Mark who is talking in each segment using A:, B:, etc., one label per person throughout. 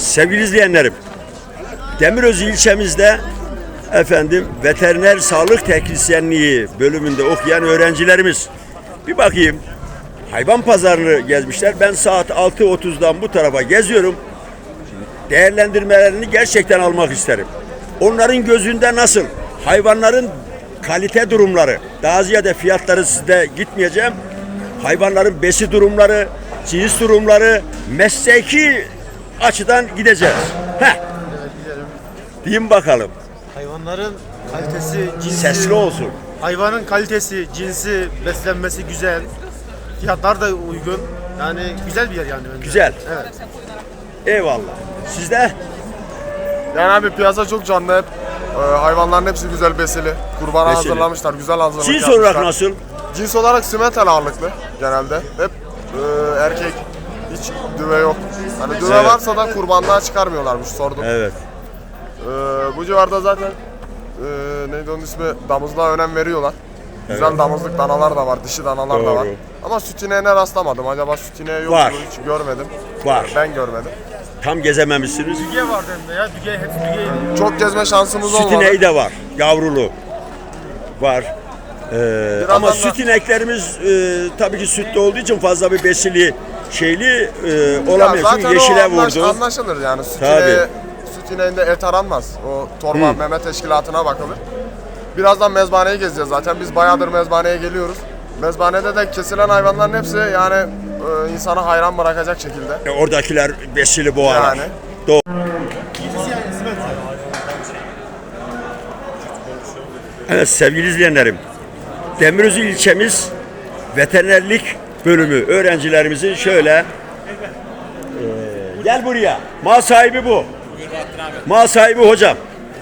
A: Sevgili izleyenlerim, Demirözü ilçemizde veteriner sağlık teknisyenliği bölümünde okuyan öğrencilerimiz bir bakayım hayvan pazarını gezmişler. Ben saat 6.30'dan bu tarafa geziyorum. Değerlendirmelerini gerçekten almak isterim. Onların gözünde nasıl? Hayvanların kalite durumları, daha ziyade fiyatları sizde gitmeyeceğim. Hayvanların besi durumları, cins durumları, mesleki açıdan gideceğiz. Diyeyim bakalım.
B: Hayvanların kalitesi, cinsi,
A: Sesli olsun.
B: hayvanın kalitesi, cinsi, beslenmesi güzel. Fiyatlar da uygun. Yani güzel bir yer yani. Önce.
A: Güzel.
B: Evet.
A: Eyvallah. Sizde?
C: Yani abi piyasa çok canlı hep. Hayvanların hepsi güzel besili. Kurbana
A: Besili.
C: hazırlamışlar, güzel hazırlamak
A: Cins
C: yapmışlar.
A: olarak nasıl?
C: Cins olarak simental ağırlıklı genelde. Hep erkek. Hiç düve yok. Hani düve
A: Evet.
C: varsa da kurbanlığa çıkarmıyorlarmış sordum.
A: Evet.
C: Bu civarda zaten neydi onun ismi? Damızlığa önem veriyorlar. Güzel damızlık danalar da var, dişi danalar da var.
A: Doğru.
C: Ama süt ineğine rastlamadım. Acaba süt ineği yok
A: Var.
C: mu? Hiç görmedim.
A: Var.
C: Ben görmedim.
A: Tam gezememişsiniz.
B: Düge var hem de ya. Düge, hepsi dügeydi.
C: Çok gezme şansımız
A: Süt
C: olmadı.
A: ineği de var. Yavrulu. Var. Ama
C: da-
A: süt ineklerimiz tabii ki sütte olduğu için fazla bir besili şeyli olamıyor. Çünkü yeşile vurdu.
C: Anlaşılır yani.
A: Tabii.
C: Süt ineğinde et aranmaz. O torba meme teşkilatına bakılır. Birazdan mezbahaneyi gezeceğiz zaten. Biz bayağıdır mezbahaneye geliyoruz. Mezbahanede de kesilen hayvanların hepsi yani insanı hayran bırakacak şekilde.
A: Oradakiler besili boğalar.
C: Yani.
A: Evet sevgili izleyenlerim, Demirözü ilçemiz veterinerlik bölümü öğrencilerimizin şöyle gel buraya. Mal sahibi bu. Mal sahibi hocam.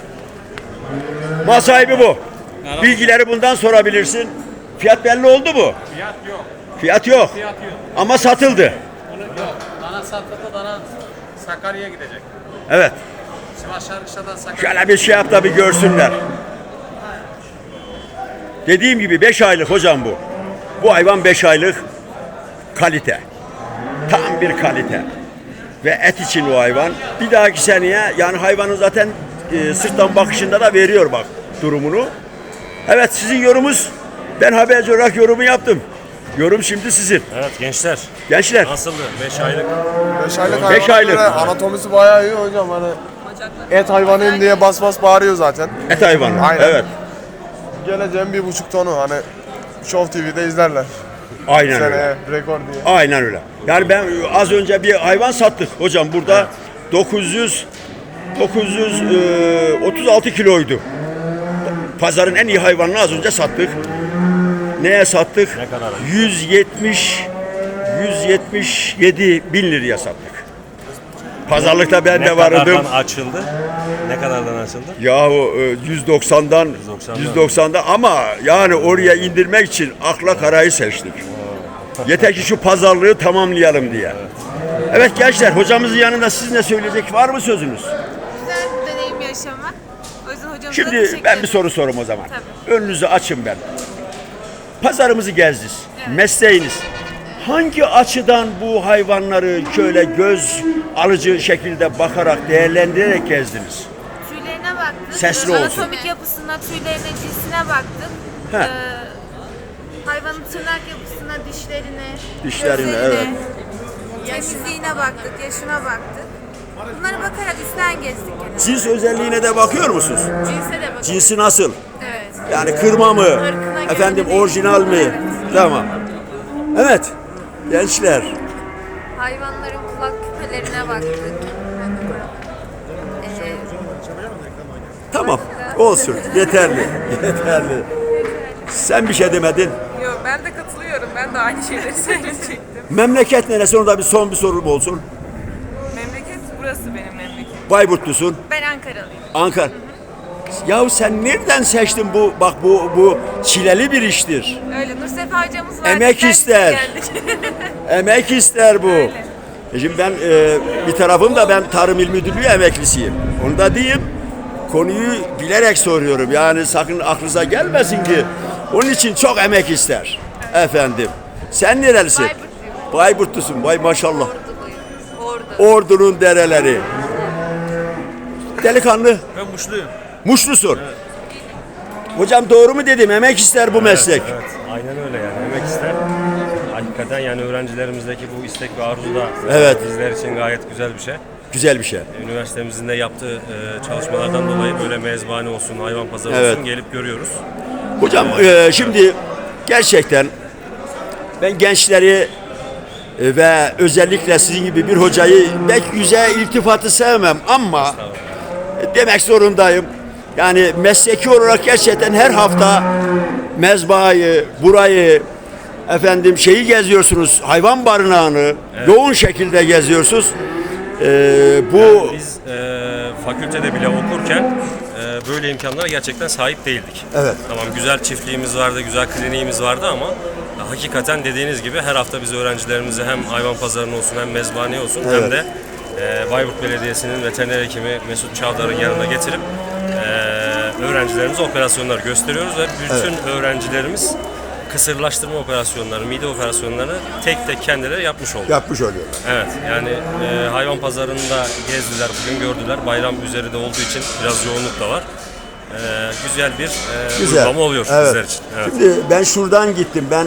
A: Mal sahibi bu. Bilgileri bundan sorabilirsin. Fiyat belli oldu mu?
D: Fiyat yok.
A: Fiyat yok.
D: Fiyat yok.
A: Ama satıldı.
D: Yok. Dana satıldı, dana Sakarya'ya gidecek.
A: Evet.
D: Sivas Şarkışla'dan Sakarya.
A: Şöyle bir şey yap da bir görsünler. Dediğim gibi 5 aylık hocam bu. Bu hayvan 5 aylık kalite. Tam bir kalite. Ve et için o hayvan. Bir dahaki seneye yani hayvanın zaten sırttan bakışında da veriyor bak durumunu. Evet sizin yorumunuz. Ben haberci olarak yorumu yaptım. Yorum şimdi sizin.
E: Evet gençler
A: Gençler.
E: nasıldı? 5 aylık.
C: 5 aylık
A: Beş
C: hayvana
A: aylık.
C: göre anatomisi bayağı iyi hocam. Hani et hayvanıyım diye bas bas bağırıyor zaten.
A: Et hayvanı.
C: Aynen.
A: Evet.
C: Geleceğim 1,5 tonu hani Show TV'de izlerler.
A: Aynen öyle.
C: Seneye rekor diye.
A: Aynen öyle. Yani ben az önce bir hayvan sattık hocam burada 936 kiloydu. Pazarın en iyi hayvanını az önce sattık. Neye sattık?
E: Ne kadar?
A: 177 bin liraya sattık. Pazarlıkta ben
E: Ne
A: de vardım.
E: kadardan açıldı? Ne kadardan açıldı?
A: Yahu 190'dan 190'dan ama yani oraya indirmek için akla karayı seçtik. Yeter ki şu pazarlığı tamamlayalım diye. Evet gençler hocamızın yanında siz ne söyleyecek var mı sözünüz?
F: Güzel bir deneyim yaşamak. O yüzden hocamıza
A: Şimdi
F: teşekkür
A: ben bir
F: ederim.
A: soru sorayım o zaman.
F: Tabii.
A: Önünüzü açın ben. Pazarımızı gezdiniz. Mesleğiniz. Hangi açıdan bu hayvanları şöyle göz alıcı şekilde bakarak, değerlendirerek gezdiniz?
F: Tüylerine baktık.
A: Sesli olsun.
F: Anatomik yapısına, tüylerine, cinsine baktık.
A: He.
F: Hayvanın tırnak yapısına,
A: Dişlerine,
F: gözlerine,
A: evet.
F: temizliğine baktık, yaşına baktık. Bunlara bakarak üstten gezdik genelde.
A: Cins özelliğine de bakıyor musunuz?
F: Cinse de baktık.
A: Cinsi nasıl?
F: Evet.
A: Yani kırma mı?
F: Irkına göre
A: Efendim
F: de
A: orijinal mi?
F: değişiyor.
A: Tamam. Evet. Gençler.
F: Hayvanların kulak küpelerine baktık.
A: Tamam. Olsun. Yeterli. Yeterli. Sen bir şey demedin.
G: Yok ben de katılıyorum. Ben de aynı şeyleri söyleyecektim.
A: Memleket neresi? Orada bir son bir sorum olsun.
G: Memleket burası benim memleketim.
A: Bayburtlusun.
F: Ben Ankaralıyım.
A: Ankara. Yahu sen nereden seçtin bu? Bak bu çileli bir iştir.
F: Öyle Nursefa hocamız var.
A: Emek
F: bizden
A: ister.
F: geldik.
A: Emek ister bu. Şimdi ben bir tarafım da ben Tarım İl Müdürlüğü emeklisiyim. Onu da diyeyim. Konuyu bilerek soruyorum. Yani sakın aklınıza gelmesin ki. Onun için çok emek ister. Efendim. Sen nerelisin?
F: Bayburtluyum.
A: Bayburtlusun. Vay maşallah.
F: Orduluyum. Ordu.
A: Ordu'nun dereleri. Delikanlı.
E: Ben Muşluyum.
A: Muşlusun. Hocam doğru mu dedim? Emek ister bu meslek.
E: Evet, aynen öyle yani. Emek ister. Hakikaten yani öğrencilerimizdeki bu istek ve arzu da
A: Evet.
E: bizler için gayet güzel bir şey.
A: Güzel bir şey.
E: Üniversitemizin de yaptığı çalışmalardan dolayı böyle mezbahane olsun, hayvan pazarı
A: Evet.
E: olsun gelip görüyoruz.
A: Hocam şimdi gerçekten ben gençleri ve özellikle sizin gibi bir hocayı pek yüze iltifatı sevmem ama demek zorundayım. Yani mesleki olarak gerçekten her hafta mezbahayı, burayı, efendim şeyi geziyorsunuz, hayvan barınağını yoğun şekilde geziyorsunuz. Bu
E: Biz fakültede bile okurken böyle imkanlara gerçekten sahip değildik.
A: Evet.
E: Tamam, güzel çiftliğimiz vardı, güzel kliniğimiz vardı ama hakikaten dediğiniz gibi her hafta biz öğrencilerimizi hem hayvan pazarına olsun hem mezbahaneye olsun hem de Bayburt Belediyesi'nin veteriner hekimi Mesut Çavdar'ın yanına getirip öğrencilerimize operasyonlar gösteriyoruz ve bütün öğrencilerimiz kısırlaştırma operasyonları, mide operasyonlarını tek tek kendileri yapmış oldu.
A: yapmış oluyorlar.
E: Evet, yani hayvan pazarında gezdiler, bugün gördüler. Bayram üzeri de olduğu için biraz yoğunluk da var. Güzel bir uygulama oluyor bizler için. Evet.
A: Şimdi ben şuradan gittim. Ben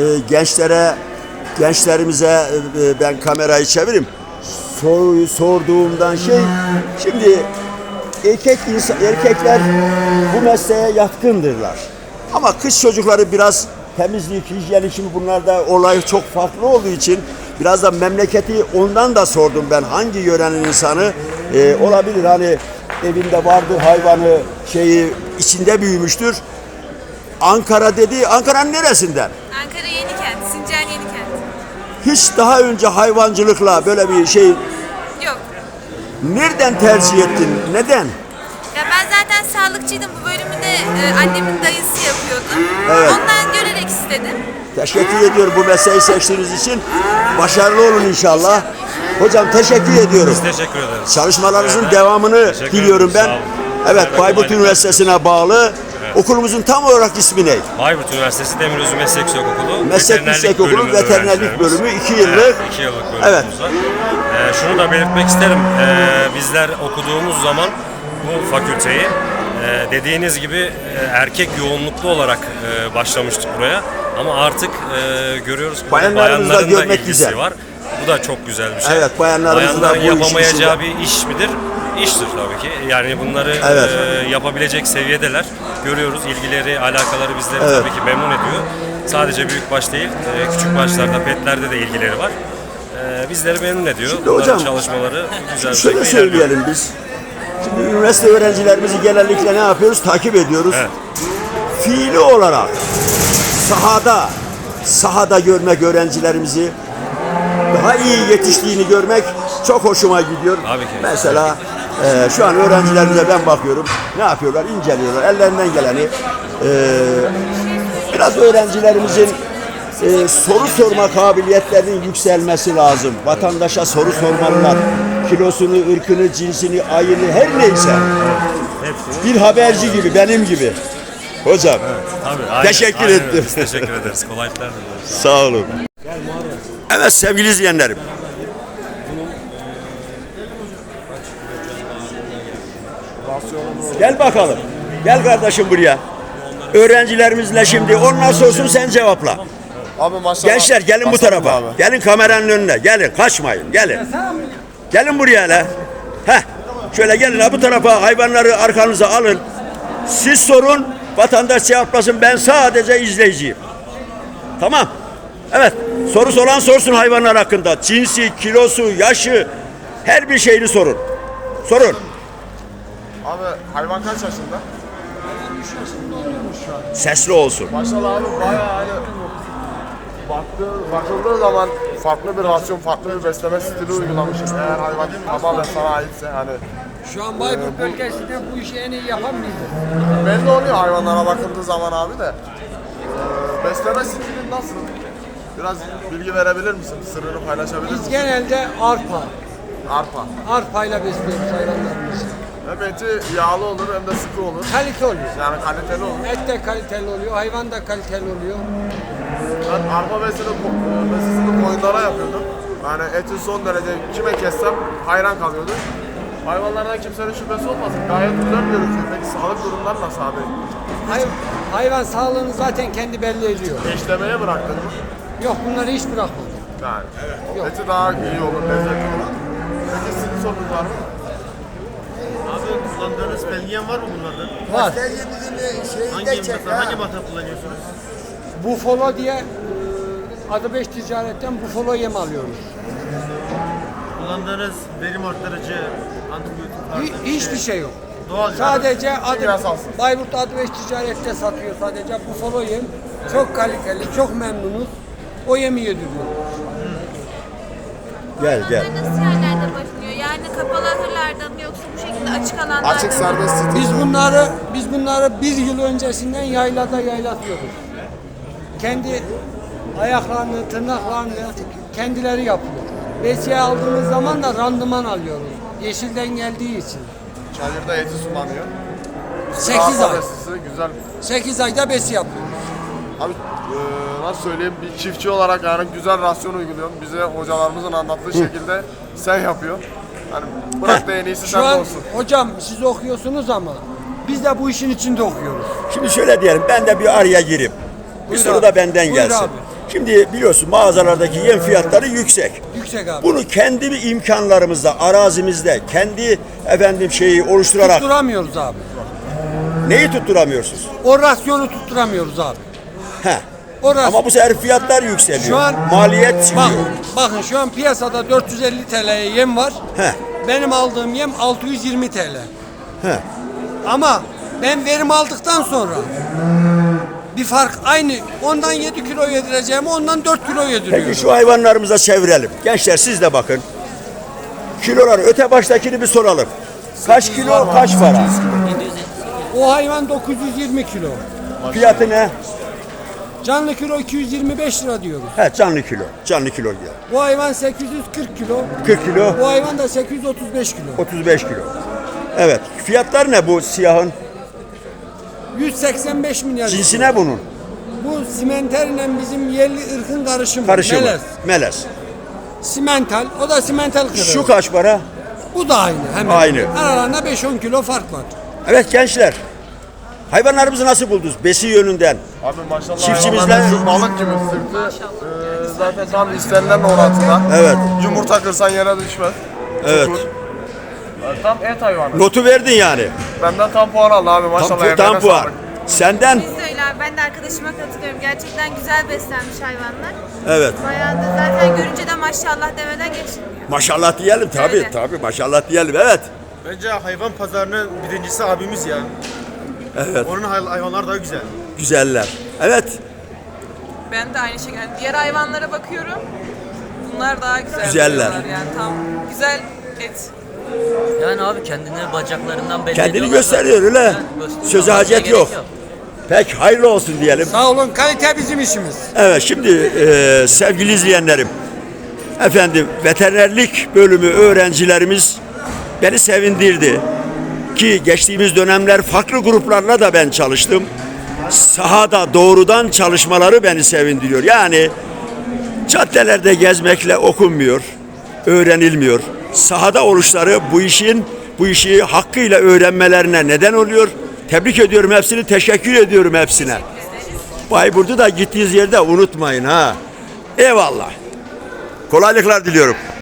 A: gençlerimize ben kamerayı çevireyim. Soruyu sorduğumdan şimdi erkekler bu mesleğe yatkındırlar. Ama kız çocukları biraz temizlik, hijyen, şimdi bunlarda olay çok farklı olduğu için biraz da memleketi ondan da sordum ben. Hangi yörenin insanı olabilir, hani evinde vardır hayvanı, içinde büyümüştür. Ankara dedi. Ankara'nın neresinden?
F: Ankara Yenikent, Sincan Yenikent.
A: Hiç daha önce hayvancılıkla böyle bir şey
F: Yok.
A: nereden tercih ettin? Neden?
F: Ya ben zaten sağlıkçıydım. Bu bölümü de annemin dayısı yapıyordu.
A: Evet.
F: Ondan görerek istedim.
A: Teşekkür ediyorum bu mesleği seçtiğiniz için. Başarılı olun inşallah. Hocam teşekkür ediyorum.
E: Biz teşekkür ederiz.
A: Çalışmalarınızın
E: Evet.
A: devamını
E: Teşekkür
A: diliyorum
E: ederim,
A: ben.
E: sağ olun.
A: Evet,
E: Evet,
A: Bayburt
E: kolaylıklar
A: Üniversitesi'ne bağlı. Okulumuzun tam olarak ismi ne?
E: Bayburt Üniversitesi Demirözü Meslek Yüksekokulu.
A: Meslek Yüksekokulu Veterinerlik Bölümü 2 yıllık.
E: Evet, 2 yıllık bölümümüz
A: Evet.
E: var. Şunu da belirtmek isterim. Bizler okuduğumuz zaman bu fakülteyi dediğiniz gibi erkek yoğunluklu olarak başlamıştık buraya. Ama artık görüyoruz ki
A: Bayanlarımızı da
E: bayanların da
A: görmek
E: ilgisi
A: güzel.
E: var. Bu da çok güzel bir şey.
A: Evet, bayanlarımızın da
E: Bayanların
A: bu işin
E: yapamayacağı
A: içinde.
E: bir iş midir? İştir tabii ki. Yani bunları
A: Evet.
E: yapabilecek seviyedeler. Görüyoruz, ilgileri, alakaları bizleri
A: Evet.
E: tabii ki memnun ediyor. Sadece büyükbaş değil, küçük başlarda, petlerde de ilgileri var. Bizleri memnun ediyor.
A: Şimdi
E: Bunların
A: hocam,
E: çalışmaları güzel bir
A: Şöyle
E: şekilde ilerliyor.
A: söyleyelim biz. Şimdi üniversite öğrencilerimizi genellikle ne yapıyoruz? Takip ediyoruz.
E: Evet.
A: Fiili olarak sahada görmek öğrencilerimizi, daha iyi yetiştiğini görmek çok hoşuma gidiyor.
E: Tabii ki.
A: Mesela şu an öğrencilerimize ben bakıyorum. Ne yapıyorlar? İnceliyorlar. Ellerinden geleni. Biraz öğrencilerimizin soru sorma kabiliyetlerinin yükselmesi lazım. Vatandaşa soru sormalılar. Kilosunu, ırkını, cinsini, ayını her neyse.
E: Hepsini.
A: Bir haberci gibi, benim gibi. Hocam.
E: Tabii, aynen,
A: Teşekkür
E: aynen
A: ettim.
E: öyle. Biz teşekkür ederiz. Kolaylıklar diliyoruz.
A: Sağ olun. Evet sevgili izleyenlerim. Gel bakalım. Gel kardeşim buraya. Öğrencilerimizle şimdi onlar sorsun sen cevapla.
C: Abi maşallah.
A: Gençler gelin bu
C: Basalım
A: tarafa.
C: abi.
A: Gelin kameranın önüne. Gelin kaçmayın. Gelin. Gelin buraya hele. Heh. Şöyle gelin ha bu tarafa hayvanları arkanıza alın. Siz sorun vatandaş cevaplasın. Ben sadece izleyiciyim. Tamam. Evet. Soru olan sorsun hayvanlar hakkında. Cinsi, kilosu, yaşı her bir şeyini sorun. Sorun.
C: Abi hayvan kaç yaşında?
A: Sesli olsun.
C: Maşallah abi bayağı hani bakıldığı zaman farklı bir rasyon, farklı bir besleme stili uygulamışız. Eğer hayvan tamamen sana aitse hani
H: Şu an Bayburt bölgesinde bu işi en iyi yapan biziz.
C: belli oluyor hayvanlara bakıldığı zaman abi de. Besleme stilin nasıl? Biraz bilgi verebilir misin? Sırrını paylaşabilir
H: Biz
C: misin?
H: genelde
C: Arpa.
H: arpayla besliyoruz hayvanlarımızı.
C: Hem eti yağlı olur hem de sıkı olur.
H: Kalite oluyor.
C: Yani kaliteli olur.
H: Et de kaliteli oluyor, hayvan da kaliteli oluyor.
C: Ben arpa besisini koyunlara yapıyordum. Yani eti son derece kime kessem hayran kalıyordu. Hayvanlardan kimsenin şüphesi olmasın. Gayet güzel gözüküyor. Peki sağlık durumları nasıl abi?
H: Hayvan sağlığını zaten kendi belli ediyor.
C: Eşlemeye bıraktın mı?
H: Yok bunları hiç bırakmadım.
C: Yani.
H: Yok.
C: Eti daha iyi olur, lezzetli olur. Peki sizin sorunuz var mı?
B: Abi kullandığınız belgeyen var mı bunlardan?
H: Var.
B: Hangi mata kullanıyorsunuz?
H: Buffalo diye adı 5 ticaretten Buffalo yem alıyoruz.
B: Kullandığınız verim arttırıcı, antibiyotik
H: Hiçbir şey yok.
B: Doğal
H: Sadece adı
C: Kimyasalsız.
H: Bayburt adı 5 ticarette satıyor sadece Buffalo yem. Çok kaliteli, çok memnunuz. O yemi yediriyor.
A: Gel gel.
F: Bunlar nasıl yerlerde başlıyor? Yani kapalı ahırlarda mı yoksa bu şekilde açık alanlarda mı?
C: Açık serbest stil.
H: Biz bunları bir yıl öncesinden yaylada yaylatıyoruz. Kendi ayaklarını, tırnaklarını kendileri yapıyor. Besiye aldığımız zaman da randıman alıyoruz. Yeşilden geldiği için.
C: Çayırda eti sulanıyor.
H: 8
C: Rahat
H: ay.
C: besisi, güzel.
H: 8 ayda besi yapıyoruz.
C: Abi nasıl söyleyeyim, bir çiftçi olarak yani güzel rasyon uyguluyorsun. Bize hocalarımızın anlattığı şekilde sen yapıyorsun. Hani bırak da en iyisi
H: Şu
C: sende
H: an
C: olsun.
H: hocam siz okuyorsunuz ama biz de bu işin içinde okuyoruz.
A: Şimdi şöyle diyelim, ben de bir araya gireyim. Bir
H: Buyur
A: soru
H: abi.
A: da benden
H: Buyur
A: gelsin.
H: abi.
A: Şimdi biliyorsun mağazalardaki yem fiyatları yüksek.
H: Yüksek abi.
A: Bunu kendi imkanlarımızda, arazimizde, kendi şeyi oluşturarak
H: Tutturamıyoruz abi.
A: neyi tutturamıyorsunuz?
H: O rasyonu tutturamıyoruz abi.
A: He.
H: O rasyon.
A: Ama bu sefer fiyatlar yükseliyor.
H: Şu an
A: maliyet çıkıyor.
H: bakın şu an piyasada 450 TL'ye yem var.
A: He.
H: Benim aldığım yem 620 TL.
A: He.
H: Ama ben verim aldıktan sonra bir fark aynı. Ondan 7 kilo yedireceğim, ondan 4 kilo yediriyorum.
A: Peki şu hayvanlarımıza çevirelim. Gençler siz de bakın. Kiloları öte baştakini bir soralım. Kaç kilo, kaç para?
H: O hayvan 920 kilo.
A: Fiyatı ne?
H: Canlı kilo 225 lira diyoruz.
A: He, canlı kilo. Canlı kilo diyor.
H: Bu hayvan 840 kilo.
A: 40 kilo,
H: Bu hayvan da 835 kilo.
A: 35 kilo. Evet. Fiyatlar ne bu siyahın?
H: 185 milyar.
A: Cinsi ne bunun?
H: Bu simenterle bizim yerli ırkın karışımı.
A: Karışımı.
H: Melez.
A: Melez.
H: Simental. O da simental kırığı.
A: Şu kaç para?
H: Bu da aynı. Hemen.
A: Aynı.
H: Aralarında 5-10 kilo fark var.
A: Evet gençler. Hayvanlarımızı nasıl buldunuz? Besi yönünden.
C: Abi maşallah
A: Çiftçimizle-
C: hayvanlar balık gibi sırtı zaten tam istenilen orantıda.
A: Evet.
C: Yumurta kırsan yere düşmez.
A: Evet.
C: Tutur. Tam et hayvanı.
A: Notu verdin yani.
C: Benden tam puan aldı abi maşallah.
A: Tam
C: emeğine
A: puan.
C: sağlık.
A: Senden?
F: Biz de öyle abi. Ben de arkadaşıma katılıyorum. Gerçekten güzel beslenmiş hayvanlar.
A: Evet.
F: Bayağı da zaten görünce de maşallah demeden geçilmiyor.
A: Maşallah diyelim tabii.
F: Öyle.
A: Tabii maşallah diyelim. Evet.
B: Bence hayvan pazarının birincisi abimiz ya.
A: Evet.
B: Onun hayvanlar daha güzel.
A: Güzeller. Evet.
G: Ben de aynı şekilde. Yani diğer hayvanlara bakıyorum. Bunlar daha güzel.
A: Güzeller.
G: duruyorlar Yani tam güzel et.
I: Yani abi kendini bacaklarından belli
A: Kendini
I: ediyorlar
A: gösteriyor öyle.
I: zaten. Gösteriyor.
A: Söze
I: Başka
A: hacet
I: gerek
A: yok. Pek hayırlı olsun diyelim.
H: Sağ olun. Kalite bizim işimiz.
A: Evet şimdi sevgili izleyenlerim. Efendim veterinerlik bölümü öğrencilerimiz beni sevindirdi. Ki geçtiğimiz dönemler farklı gruplarla da ben çalıştım. Sahada doğrudan çalışmaları beni sevindiriyor. Yani caddelerde gezmekle okunmuyor, öğrenilmiyor. Sahada oluşları bu işi hakkıyla öğrenmelerine neden oluyor. Tebrik ediyorum hepsini, teşekkür ediyorum hepsine. Bayburt'u da gittiğiniz yerde unutmayın ha. Eyvallah. Kolaylıklar diliyorum.